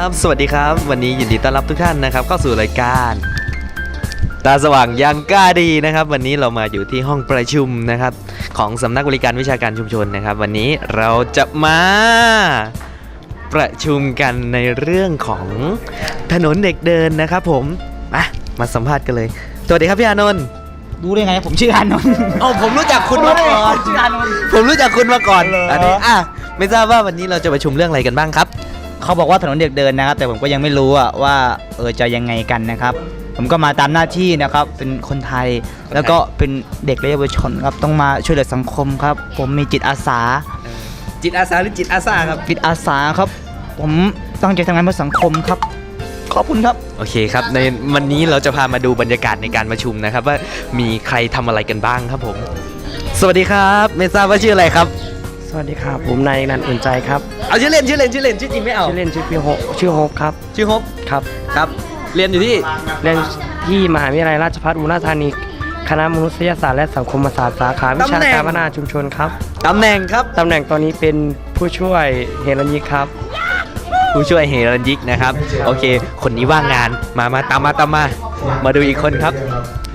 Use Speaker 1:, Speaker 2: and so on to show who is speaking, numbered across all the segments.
Speaker 1: บสวัสดีครับวันนี้ยินดีต้อนรับทุกท่านนะครับเข้าสู่รายการตาสว่างยังกล้าดีนะครับวันนี้เรามาอยู่ที่ห้องประชุมนะครับของสำนักบริการวิชาการชุมชนนะครับวันนี้เราจะมาประชุมกันในเรื่องของถนนเด็กเดินนะครับผมมาสัมภาษณ์กันเลยสวัสดีครับพี่อานนท์
Speaker 2: รู้ได้ไงผมชื่ออานนท์
Speaker 1: ผมรู้จักคุณมาก่อน
Speaker 2: ชื่ออานนท์
Speaker 1: ผมรู้จักคุณมาก่อนอันนี้ไม่ทราบว่าวันนี้เราจะประชุมเรื่องอะไรกันบ้างครับ
Speaker 2: เขาบอกว่าถนนเด็กเดินนะครับแต่ผมก็ยังไม่รู้ว่าจะยังไงกันนะครับผมก็มาตามหน้าที่นะครับเป็นคนไทยแล้วก็เป็นเด็กและเยาวชนครับต้องมาช่วยเหลือสังคมครับผมมีจิตอาสา
Speaker 1: จิตอาสาหรือจิตอาสาครับ
Speaker 2: จิตอาสาครับผมตั้งใจทำงานเพื่อสังคมครับขอบคุณครับ
Speaker 1: โอเคครับในวันนี้เราจะพามาดูบรรยากาศในการประชุมนะครับว่ามีใครทำอะไรกันบ้างครับผมสวัสดีครับไม่ทราบว่าชื่ออะไรครับ
Speaker 3: สวัสดีครับผมนายนันท์อุ่นใจครับ
Speaker 1: เอาชื่อเล่นชื่อจริงไม่เอา
Speaker 3: ชื่อเล่นชื่อพี่โฮชื่อโฮปครับ
Speaker 1: ชื่อโฮปครับเรียนอยู่ที่
Speaker 3: มหาวิทยาลัยราชภัฏอุบลราชธานีคณะมนุษยศาสตร์และสังคมศาสตร์สาขาวิชาการพัฒนาชุมชนครับ
Speaker 1: ตำแหน่ง
Speaker 3: ตอนนี้เป็นผู้ช่วยเฮรัญยิกครับ
Speaker 1: ผู้ช่วยเฮรัญยิกนะครับโอเคคนนี้ว่างงานมาตามมาดูอีกคนครับ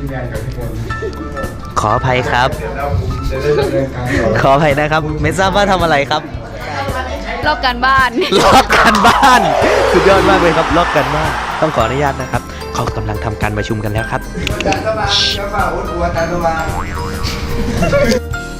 Speaker 1: ขออภัยครับขออภัยนะครับไม่ทราบว่าทำอะไรครับ
Speaker 4: ลอกการบ้าน
Speaker 1: สุดยอดมากเลยครับลอกกันบ้านต้องขออนุญาตนะครับเขากำลังทำการประชุมกันแล้วครับ